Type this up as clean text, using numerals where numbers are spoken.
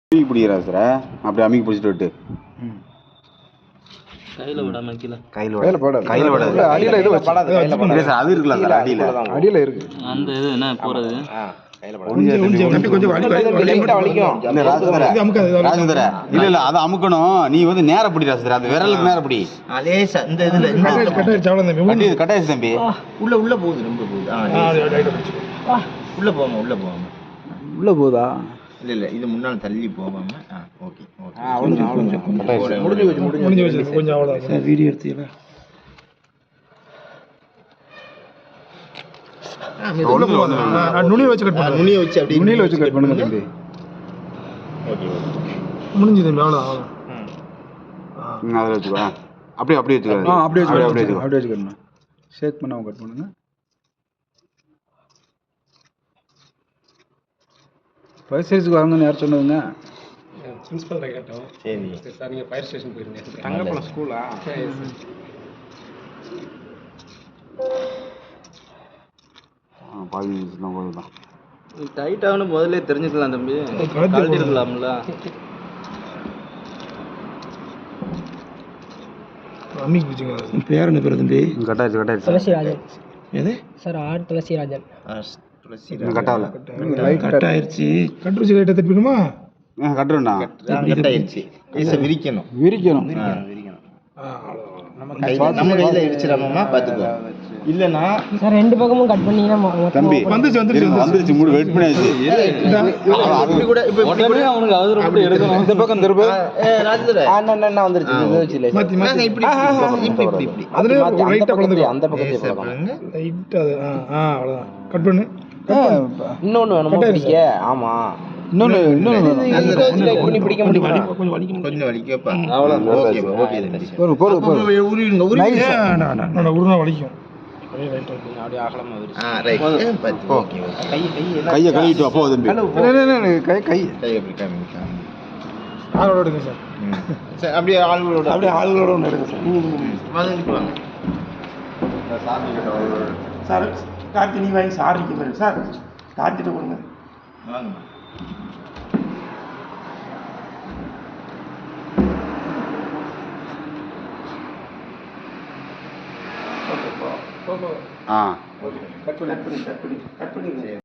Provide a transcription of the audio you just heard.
அமுக்கி பிடிக்கிறா சார். அப்படி அமுக்கி பிடிச்சிட்டு விட்டு கையில விடாம கீழே கையில போடாது. அடியில இது படாது. கையில சார் அது இருக்குல்ல சார் அடியில இருக்கு. அந்த இது என்ன போறது இல்ல அது அமுக்கணும். நீ வந்து நேர பிடி ராசர். அது விரலுக்கு நேர பிடி. இந்த இதுல கட்டாயிச்சு தம்பி. உள்ள போகுது ரொம்ப போகுது. உள்ள போகுதா? இல்ல இது முன்னால தள்ளி போகாம. ஓகே முடிஞ்சு வச்சு கொஞ்சம் அவ்வளவுதான் சார். வீடியோ எடுத்தீங்களா? நுனியை வச்சு கட் பண்ணுங்க. நுனியை வச்சு அப்படியே நுனியில வச்சு கட் பண்ணுங்க தம்பி. ஓகே முடிஞ்சு தம்பி அவ்வளவுதான். அதுல வச்சுக்கோ. அப்படியே வச்சுக்கோ. அப்படியே வச்சுக்கணும். ஷேக் பண்ணாம கட் பண்ணுங்க. ஃபயர் ஸ்டேஷனுக்கு வாங்கன்னு யார் சொன்னதுங்க? பிரின்சிபல் கேட்டோம். சரி சார், நீங்கள் ஃபயர் ஸ்டேஷன் போயிருங்க. தங்கப்பழம் ஸ்கூலா? டைட் ஆகணும் முதல்ல தெரிஞ்சுக்கலாம் தம்பி. கழட்டி இருக்கலாம்ல. பேர் என்ன பேர் தம்பி? கட்டாயிச்சு. துளசிராஜன். எது சார்? ஆர் துளசிராஜன். கட்டாயிருச்சு. கட்டுருச்சு லைட்டை தப்பிடுமா? கட்டுறா கட்டாயிருச்சு. விரிக்கணும். நம்ம கையில இடிச்சிடாம பாத்துக்கோ. இல்லனா சார் ரெண்டு பக்கமும் கட் பண்ணீங்கன்னா தம்பி வந்துருச்சு. மூடு வெயிட் பண்ணியாச்சு. அப்படி கூட இப்ப அவனுக்கு அது ரொம்ப எடுக்கணும். இந்த பக்கம் திரும்ப. ராஜதுரை அண்ணா வந்துருச்சு. இது வச்சு லே இப்படி அதுல ரைட்டா பளந்து அந்த பக்கத்தை போடுங்க. ரைட் அது அவ்வளவுதான். கட் பண்ணு. இன்னொன்னு வேணுமா பிடிக்க? ஆமா இன்னொன்னு பண்ணி பிடிக்க முடியுமா? கொஞ்சம் வலிக்கப்பா. அவ்வளவுதான். ஓகே உருனா வலிக்கும். அப்படியே அகலமா வருது. ரைட். ஓகே கையை கழுவிட்டு வா போ தம்பி. கை அப்படி காமிங்க. ஆளோட எடுங்க சார். சரி அப்படியே ஆளுகளோட ஒன்று எடுங்க சார். வாங்க சார். கார்த்தி நீ வாங்கி சாரிக்கு பாருங்க சார். கார்த்திட்ட கொடுங்க. வாங்க. ஆ கட் பண்ணி